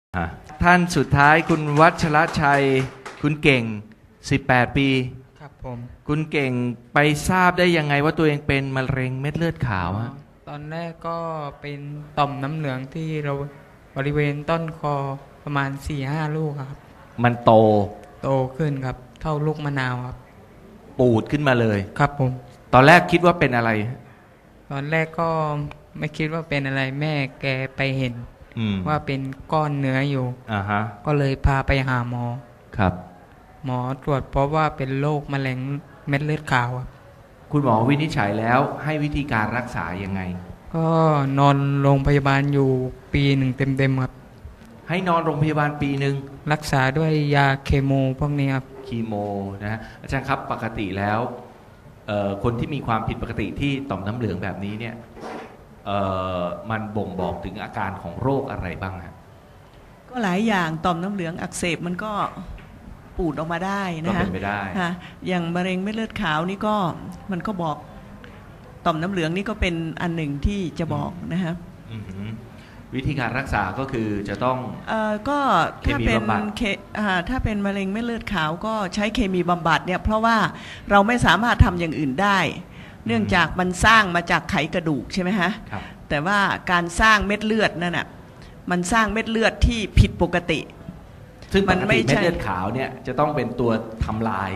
ท่านสุดท้ายคุณวัชรชัยคุณเก่ง18ปีครับผมคุณเก่งไปทราบได้ยังไงว่าตัวเองเป็นมะเร็งเม็ดเลือดขาวฮะตอนแรกก็เป็นต่อมน้ำเหลืองที่เราบริเวณต้นคอประมาณ 4-5 ลูกครับมันโตขึ้นครับเท่าลูกมะนาวครับปูดขึ้นมาเลยครับผมตอนแรกคิดว่าเป็นอะไรตอนแรกก็ไม่คิดว่าเป็นอะไรแม่แกไปเห็นว่าเป็นก้อนเนื้ออยู่ก็เลยพาไปหาหมอครับหมอตรวจพบว่าเป็นโรคมะเร็งเม็ดเลือดขาวครับคุณหมอวินิจฉัยแล้วให้วิธีการรักษายังไงก็นอนโรงพยาบาลอยู่ปีหนึ่งเต็มๆครับให้นอนโรงพยาบาลปีหนึ่งรักษาด้วยยาเคมีพวกนี้ครับคีโมนะฮะอาจารย์ครับปกติแล้วคนที่มีความผิดปกติที่ต่อมน้ำเหลืองแบบนี้เนี่ยมันบ่งบอกถึงอาการของโรคอะไรบ้างฮะก็หลายอย่างต่อมน้ำเหลืองอักเสบมันก็ปูดออกมาได้นะฮะก็เป็นไปได้อย่างมะเร็งเม็ดเลือดขาวนี่ก็มันก็บอกต่อมน้ำเหลืองนี่ก็เป็นอันหนึ่งที่จะบอกนะฮะวิธีการรักษาก็คือจะต้องก็ถ้าเป็นมะเร็งเม็ดเลือดขาวก็ใช้เคมีบำบัดเนี่ยเพราะว่าเราไม่สามารถทำอย่างอื่นได้เนื่องจากมันสร้างมาจากไขกระดูกใช่ไหมฮะแต่ว่าการสร้างเม็ดเลือดนั่นน่ะมันสร้างเม็ดเลือดที่ผิดปกติซึ่งปกติเม็ดเลือดขาวเนี่ยจะต้องเป็นตัวทำลาย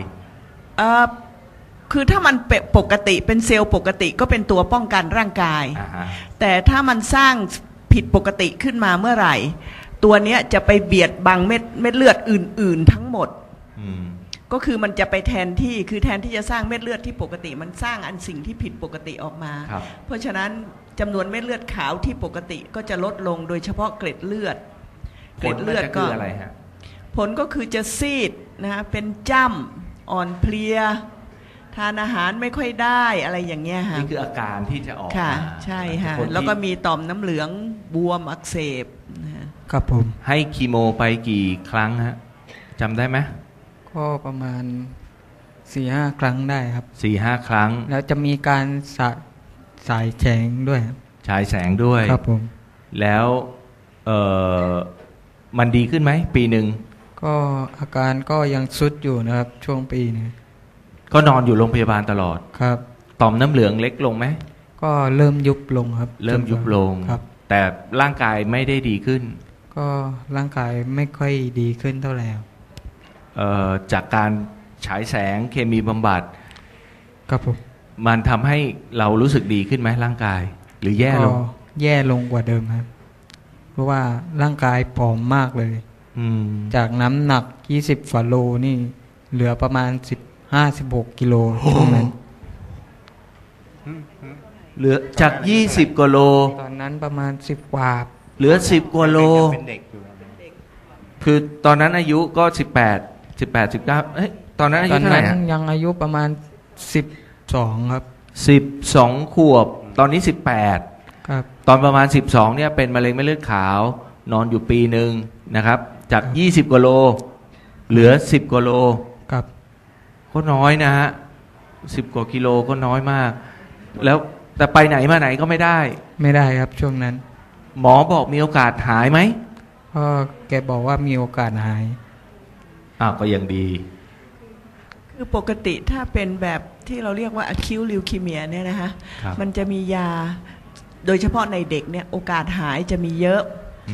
คือถ้ามันปกติเป็นเซลล์ปกติก็เป็นตัวป้องกันร่างกายแต่ถ้ามันสร้างผิดปกติขึ้นมาเมื่อไหร่ตัวเนี้ยจะไปเบียดบังเม็ดเลือดอื่นๆทั้งหมดก็คือมันจะไปแทนที่จะสร้างเม็ดเลือดที่ปกติมันสร้างอันสิ่งที่ผิดปกติออกมาเพราะฉะนั้นจำนวนเม็ดเลือดขาวที่ปกติก็จะลดลงโดยเฉพาะเกล็ดเลือดก็อะไรฮะผลก็คือจะซีดนะเป็นจ้ำอ่อนเพลียทานอาหารไม่ค่อยได้อะไรอย่างเงี้ยค่ะนี่คืออาการที่จะออกค่ะใช่ค่ะแล้วก็มีต่อมน้ำเหลืองบวมอักเสบครับผมให้คีโมไปกี่ครั้งฮะจำได้ไหมก็ประมาณ 4-5 ครั้งได้ครับ 4-5 ครั้งแล้วจะมีการฉายแสงด้วยฉายแสงด้วยครับผมแล้วมันดีขึ้นไหมปีหนึ่งก็อาการก็ยังทรุดอยู่นะครับช่วงปีนี้ก็นอนอยู่โรงพยาบาลตลอดครับต่อมน้ำเหลืองเล็กลงไหมก็เริ่มยุบลงครับเริ่มยุบลงครับแต่ร่างกายไม่ได้ดีขึ้นก็ร่างกายไม่ค่อยดีขึ้นเท่าไหร่จากการฉายแสงเคมีบำบัดครับผมมันทำให้เรารู้สึกดีขึ้นไหมร่างกายหรือแย่ลงแย่ลงกว่าเดิมครับเพราะว่าร่างกายผอมมากเลยจากน้ำหนัก20 กว่าโลนี่เหลือประมาณ15-16 กิโลช่วงนั้นเหลือจาก20 กว่าโลตอนนั้นประมาณ10 กว่าเหลือ10 กว่าโลคือตอนนั้นอายุก็18 19เอ้ยตอนนั้นอายุเท่าไหร่ยังอายุประมาณ12ครับ 12 ขวบตอนนี้18 ครับตอนประมาณ12เนี่ยเป็นมะเร็งเม็ดเลือดขาวนอนอยู่ปีหนึ่งนะครับจาก20 กว่าโลเหลือ10 กว่าโลครับก็น้อยนะฮะ10 กว่ากิโลก็น้อยมากแล้วแต่ไปไหนมาไหนก็ไม่ได้ครับช่วงนั้นหมอบอกมีโอกาสหายไหมก็แกบอกว่ามีโอกาสหายก็ยังดีคือปกติถ้าเป็นแบบที่เราเรียกว่า acute leukemia เนี่ยนะคะมันจะมียาโดยเฉพาะในเด็กเนี่ยโอกาสหายจะมีเยอะ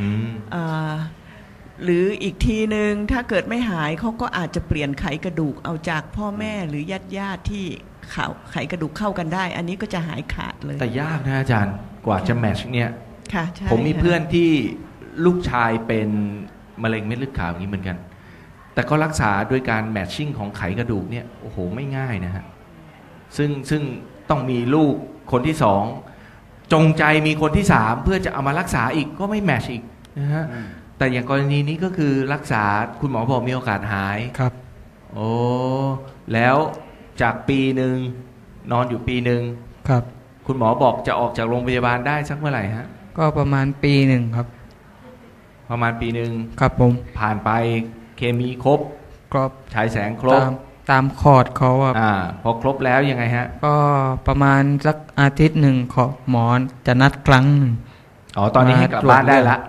หรืออีกทีนึงถ้าเกิดไม่หายเขาก็อาจจะเปลี่ยนไขกระดูกเอาจากพ่อแม่หรือญาติที่ไขกระดูกเข้ากันได้อันนี้ก็จะหายขาดเลยแต่ยากนะอาจารย์กว่าจะแมทช์เนี่ยค่ะผมมีเพื่อนที่ลูกชายเป็นมะเร็งเม็ดเลือดขาวอย่างนี้เหมือนกันแต่ก็รักษาด้วยการแมทชิ่งของไขกระดูกเนี่ยโอ้โหไม่ง่ายนะฮะซึ่งต้องมีลูกคนที่2จงใจมีคนที่3เพื่อจะเอามารักษาอีกก็ไม่แมทช์อีกนะฮะแต่อย่างกรณีนี้ก็คือรักษาคุณหมอบอกมีโอกาสหายครับโอ้แล้วจากปีหนึ่งนอนอยู่ปีหนึ่งครับคุณหมอบอกจะออกจากโรงพยาบาลได้สักเมื่อไหร่ฮะก็ประมาณปีหนึ่งครับประมาณปีหนึ่งครับผมผ่านไปเคมีครบฉายแสงครบตามคอร์สเขาพอครบแล้วยังไงฮะก็ประมาณสักอาทิตย์หนึ่งหมอจะนัดครั้งหนึ่งตอนนี้ให้กลับบ้านได้ละ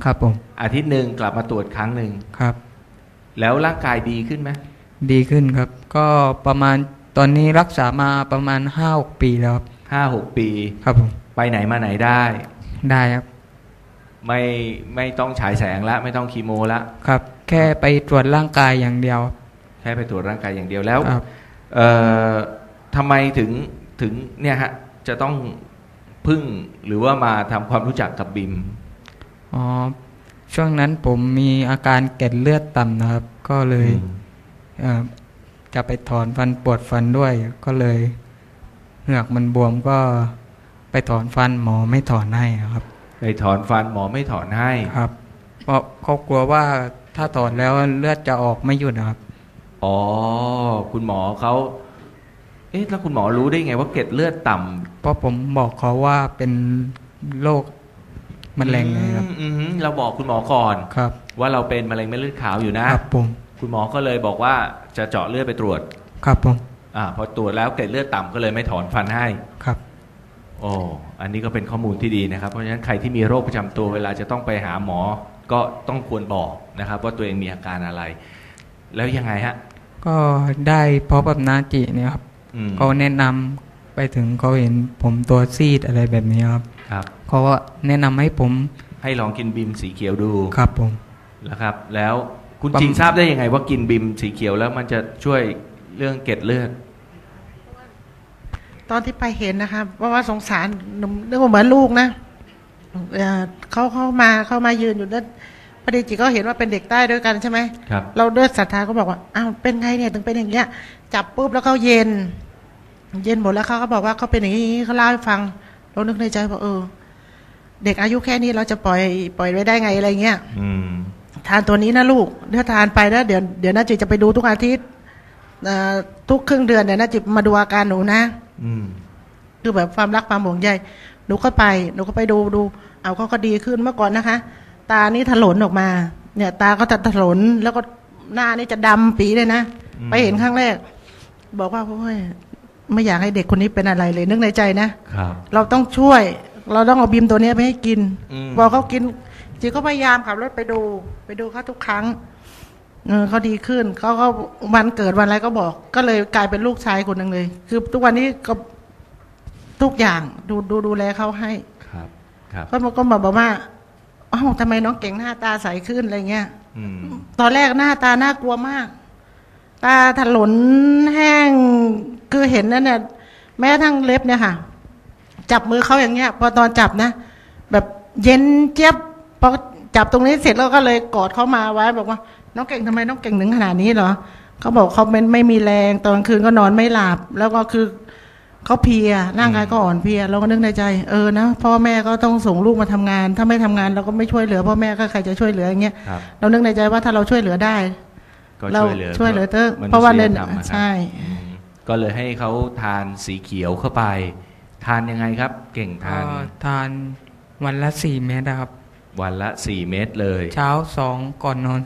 ครับผมอาทิตย์หนึ่งกลับมาตรวจครั้งหนึ่งครับแล้วร่างกายดีขึ้นไหมดีขึ้นครับก็ประมาณตอนนี้รักษามาประมาณ 5-6 ปีแล้วครับ 5-6 ปีครับผมไปไหนมาไหนได้ครับไม่ต้องฉายแสงละไม่ต้องคีโมละครับแค่ไปตรวจร่างกายอย่างเดียวแค่ไปตรวจร่างกายอย่างเดียวแล้วทำไมถึงเนี่ยฮะจะต้องพึ่งหรือว่ามาทำความรู้จักกับบิมช่วงนั้นผมมีอาการเกล็ดเลือดต่ำนะครับก็เลยจะไปถอนฟันปวดฟันด้วยก็เลยเหงือกมันบวมก็ไปถอนฟันหมอไม่ถอนให้ครับไปถอนฟันหมอไม่ถอนให้ครับเพราะเขากลัวว่าถ้าถอนแล้วเลือดจะออกไม่หยุดนะครับอ๋อคุณหมอเขาแล้วคุณหมอรู้ได้ไงว่าเกล็ดเลือดต่ำเพราะผมบอกเขาว่าเป็นโรคมะเร็งไงครับเราบอกคุณหมอก่อนครับว่าเราเป็นมะเร็งเม็ดเลือดขาวอยู่นะครับผมคุณหมอก็เลยบอกว่าจะเจาะเลือดไปตรวจครับผมพอตรวจแล้วเกล็ดเลือดต่ำก็เลยไม่ถอนฟันให้ครับโอ้อันนี้ก็เป็นข้อมูลที่ดีนะครับเพราะฉะนั้นใครที่มีโรคประจำตัวเวลาจะต้องไปหาหมอก็ต้องควรบอกนะครับว่าตัวเองมีอาการอะไรแล้วยังไงฮะก็ได้พบกับนาจิเนี่ยครับเขาแนะนำไปถึงเขาเห็นผมตัวซีดอะไรแบบนี้ครับเขาก็แนะนำให้ผมให้ลองกินบิมสีเขียวดูครับผมแล้วครับแล้วคุณจริงทราบได้ยังไงว่ากินบิมสีเขียวแล้วมันจะช่วยเรื่องเกล็ดเลือดตอนที่ไปเห็นนะคะว่าสงสารเรื่องเหมือนลูกนะเขามายืนอยู่นั่นพอดีจิก็เห็นว่าเป็นเด็กใต้ด้วยกันใช่ไหมครับเราด้วยศรัทธาก็บอกว่าอ้าวเป็นไงเนี่ยถึงเป็นอย่างเงี้ยจับปุ๊บแล้วเขาเย็นหมดแล้วเขาก็บอกว่าเขาเป็นอย่างนี้เขาเล่าให้ฟังเรานึกในใจว่าเด็กอายุแค่นี้เราจะปล่อยไว้ได้ไงอะไรเงี้ยทานตัวนี้นะลูกถ้าทานไปแล้วเดี๋ยวน่าจิจะไปดูทุกอาทิตย์ทุกครึ่งเดือนเนี่ยน่าจิมาดูอาการหนูนะคือแบบความรักความห่วงใยหนูก็ไปดูเอาเขาก็ดีขึ้นเมื่อก่อนนะคะตานี่ถลนออกมาเนี่ยตาก็จะถลนแล้วก็หน้านี่จะดำปีเลยนะไปเห็นครั้งแรกบอกว่าโอ้ยไม่อยากให้เด็กคนนี้เป็นอะไรเลยนึกในใจนะเราต้องช่วยเราต้องเอาบีมตัวนี้ไปให้กินพอเขากินจีก็พยายามขับรถไปดูเขาทุกครั้งเขาดีขึ้นเขาก็วันเกิดวันอะไรก็บอกก็เลยกลายเป็นลูกชายคนหนึ่งเลยคือทุกวันนี้ก็ทุกอย่างดูแลเขาให้ครับก็บอกว่าอ้าวทำไมน้องเก่งหน้าตาใสขึ้นอะไรเงี้ยตอนแรกหน้าตาน่ากลัวมากตาถลนแห้งคือเห็นนั่นเนี่ยแม้ทั้งเล็บเนี่ยค่ะจับมือเขาอย่างเงี้ยพอตอนจับนะแบบเย็นเจี๊ยบพอจับตรงนี้เสร็จแล้วก็เลยกอดเขามาไว้บอกว่าน้องเก่งทำไมน้องเก่งถึงขนาดนี้เหรอเขาบอกเขาไม่มีแรงตอนกลางคืนก็นอนไม่หลับแล้วก็คือเขาเพลียร่างกายก็อ่อนเพลียเราก็นึกในใจนะพ่อแม่ก็ต้องส่งลูกมาทำงานถ้าไม่ทำงานเราก็ไม่ช่วยเหลือพ่อแม่ก็ใครจะช่วยเหลืออย่างเงี้ยเรานึกในใจว่าถ้าเราช่วยเหลือได้เราช่วยเหลือเถอะเพราะว่าเนี่ยใช่ก็เลยให้เขาทานสีเขียวเข้าไปทานยังไงครับเก่งทานวันละ4 เม็ดครับวันละ4 เม็ดเลยเช้า2ก่อนนอน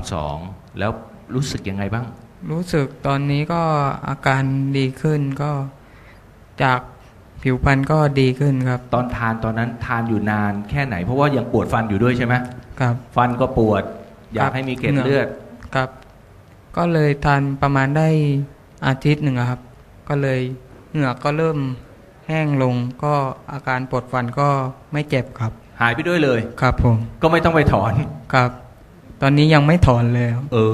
2แล้วรู้สึกยังไงบ้างรู้สึกตอนนี้ก็อาการดีขึ้นก็จากผิวพรรณก็ดีขึ้นครับตอนนั้นทานอยู่นานแค่ไหนเพราะว่ายังปวดฟันอยู่ด้วยใช่ไหมครับฟันก็ปวดอยากให้มีเกล็ดเลือดครับก็เลยทานประมาณได้อาทิตย์หนึ่งครับก็เลยเหงือกก็เริ่มแห้งลงก็อาการปวดฟันก็ไม่เจ็บครับหายไปด้วยเลยครับผมก็ไม่ต้องไปถอนครับตอนนี้ยังไม่ถอนเลย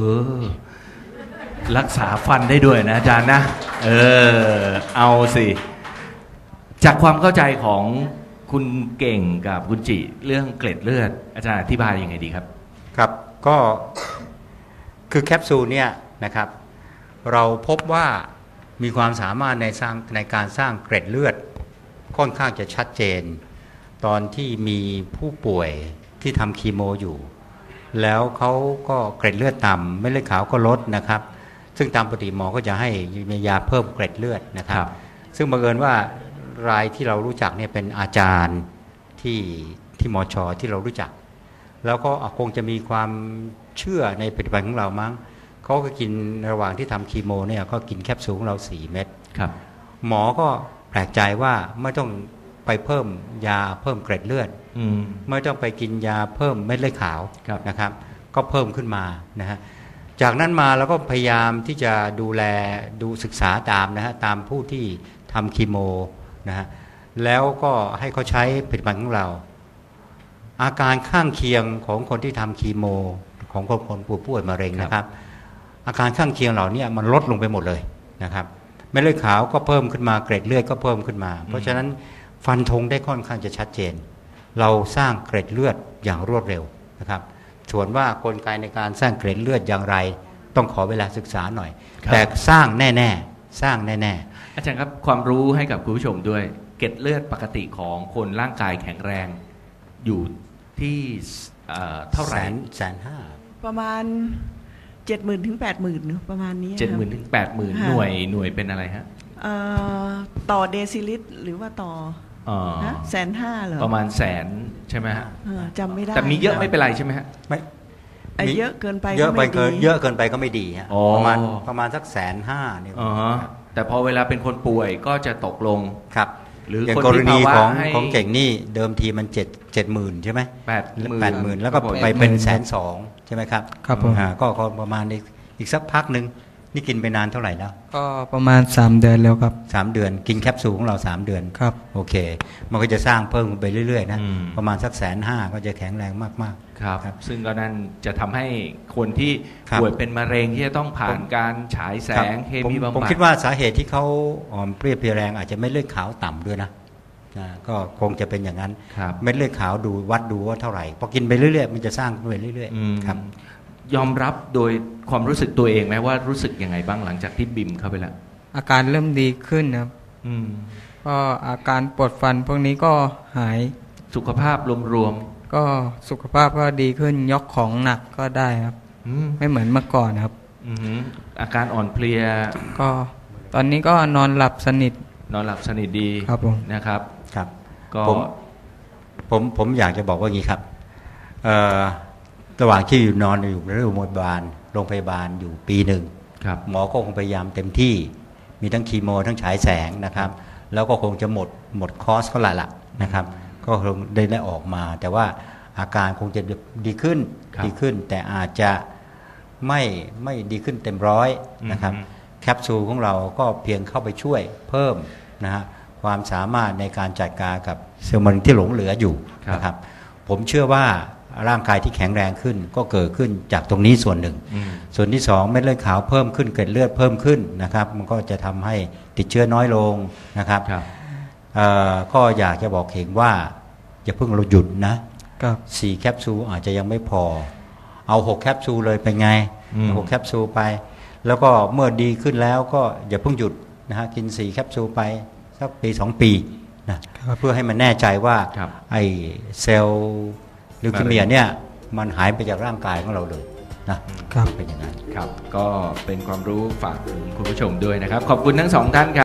รักษาฟันได้ด้วยนะอาจารย์นะเอาสิจากความเข้าใจของคุณเก่งกับคุณจิเรื่องเกล็ดเลือดอาจารย์อธิบายยังไงดีครับครับก็คือแคปซูลเนี่ยนะครับเราพบว่ามีความสามารถในการสร้างเกล็ดเลือดค่อนข้างจะชัดเจนตอนที่มีผู้ป่วยที่ทำคีโมอยู่แล้วเขาก็เกล็ดเลือดต่ำเม็ดเลือดขาวก็ลดนะครับซึ่งตามปกติหมอก็จะให้ยาเพิ่มเกล็ดเลือดนะครับซึ่งบังเอิญว่ารายที่เรารู้จักเนี่ยเป็นอาจารย์ที่มช.ที่เรารู้จักแล้วก็คงจะมีความเชื่อในผลิตภัณฑ์ของเรามั้งเขาก็กินระหว่างที่ทำคีโมเนี่ยก็กินแคปซูลของเรา4 เม็ดหมอก็แปลกใจว่าไม่ต้องไปเพิ่มยาเพิ่มเกร็ดเลือดไม่ต้องไปกินยาเพิ่มเม็ดเลือดขาวนะครับก็เพิ่มขึ้นมานะฮะจากนั้นมาเราก็พยายามที่จะดูแลดูศึกษาตามนะฮะตามผู้ที่ทำคีโมนะฮะแล้วก็ให้เขาใช้ผลิตภัณฑ์ของเราอาการข้างเคียงของคนที่ทำคีโมของคนป่วยมะเร็งนะครับอาการข้างเคียงเหล่านี้มันลดลงไปหมดเลยนะครับเม็ดเลือดขาวก็เพิ่มขึ้นมาเกร็ดเลือดก็เพิ่มขึ้นมาเพราะฉะนั้นฟันธงได้ค่อนข้างจะชัดเจนเราสร้างเกร็ดเลือดอย่างรวดเร็วนะครับส่วนว่ากลไกในการสร้างเกร็ดเลือดอย่างไรต้องขอเวลาศึกษาหน่อยแต่สร้างแน่ๆสร้างแน่ๆอาจารย์ครับความรู้ให้กับคุณผู้ชมด้วยเกร็ดเลือดปกติของคนร่างกายแข็งแรงอยู่ที่เท่าไหร่ 150,000 ประมาณ 70,000 ถึง 80,000 ประมาณนี้ 70,000 ถึง 80,000 หน่วยเป็นอะไรฮะต่อเดซิลิตรหรือว่าต่อ150,000เหรอประมาณแสนใช่ไหมฮะจำไม่ได้แต่มีเยอะไม่เป็นไรใช่ไหมฮะไม่เยอะเกินไปเยอะเกินไปก็ไม่ดีฮะประมาณสัก150,000เนี่ยแต่พอเวลาเป็นคนป่วยก็จะตกลงครับหรืออย่างกรณีของเก่งนี่เดิมทีมัน70,000ใช่ไหม80,000แล้วก็ไปเป็น120,000ใช่ไหมครับครับผมก็ประมาณอีกสักพักหนึ่งนี่กินไปนานเท่าไหร่แล้วก็ประมาณ3 เดือนแล้วครับ 3 เดือนกินแคปซูลของเรา3 เดือนครับโอเคมันก็จะสร้างเพิ่มไปเรื่อยๆนะประมาณสัก150,000ก็จะแข็งแรงมากๆครับซึ่งก็นั่นจะทำให้คนที่ป่วยเป็นมะเร็งที่จะต้องผ่านการฉายแสงเคมีบำบัดผมคิดว่าสาเหตุที่เขาอ่อนเพลียเพลียแรงอาจจะไม่เลือดขาวต่ำด้วยนะก็คงจะเป็นอย่างนั้นเม็ดเลือดขาววัดดูว่าเท่าไหร่พอกินไปเรื่อยๆมันจะสร้างไปเรื่อยๆครับยอมรับโดยความรู้สึกตัวเองไหมว่ารู้สึกยังไงบ้างหลังจากที่บิมเข้าไปแล้วอาการเริ่มดีขึ้นครับก็อาการปวดฟันพวกนี้ก็หายสุขภาพรวมๆก็สุขภาพก็ดีขึ้นยกของหนักก็ได้ครับไม่เหมือนเมื่อก่อนครับอาการอ่อนเพลียก็ตอนนี้ก็นอนหลับสนิทดีครับผมนะครับครับก็ผมอยากจะบอกว่างี้ครับระหว่างที่นอนอยู่โรงพยาบาลอยู่ปีหนึ่งหมอก็คงพยายามเต็มที่มีทั้งคีโมทั้งฉายแสงนะครับแล้วก็คงจะหมดคอร์สเขาละนะครับก็คงได้ออกมาแต่ว่าอาการคงจะดีขึ้นแต่อาจจะไม่ดีขึ้นเต็มร้อยนะครับแคปซูลของเราก็เพียงเข้าไปช่วยเพิ่มนะฮะความสามารถในการจัดการกับเซลล์มะเร็งที่หลงเหลืออยู่นะครับผมเชื่อว่าร่างกายที่แข็งแรงขึ้นก็เกิดขึ้นจากตรงนี้ส่วนหนึ่งส่วนที่2เม็ดเลือดขาวเพิ่มขึ้นเกล็ดเลือดเพิ่มขึ้นนะครับมันก็จะทำให้ติดเชื้อน้อยลงนะครับก็อยากจะบอกเห็นว่าอย่าเพิ่งเราหยุดนะ4 แคปซูลอาจจะยังไม่พอเอา6 แคปซูลเลยเป็นไง6 แคปซูลไปแล้วก็เมื่อดีขึ้นแล้วก็อย่าเพิ่งหยุดนะฮะกิน4 แคปซูลไปสักปี2 ปีนะเพื่อให้มันแน่ใจว่าไอ้เซลล์ลิวคีเมียเนี่ยมันหายไปจากร่างกายของเราเลยนะครับเป็นอย่างนั้นครับก็เป็นความรู้ฝากถึงคุณผู้ชมด้วยนะครับขอบคุณทั้ง2 ท่านครับ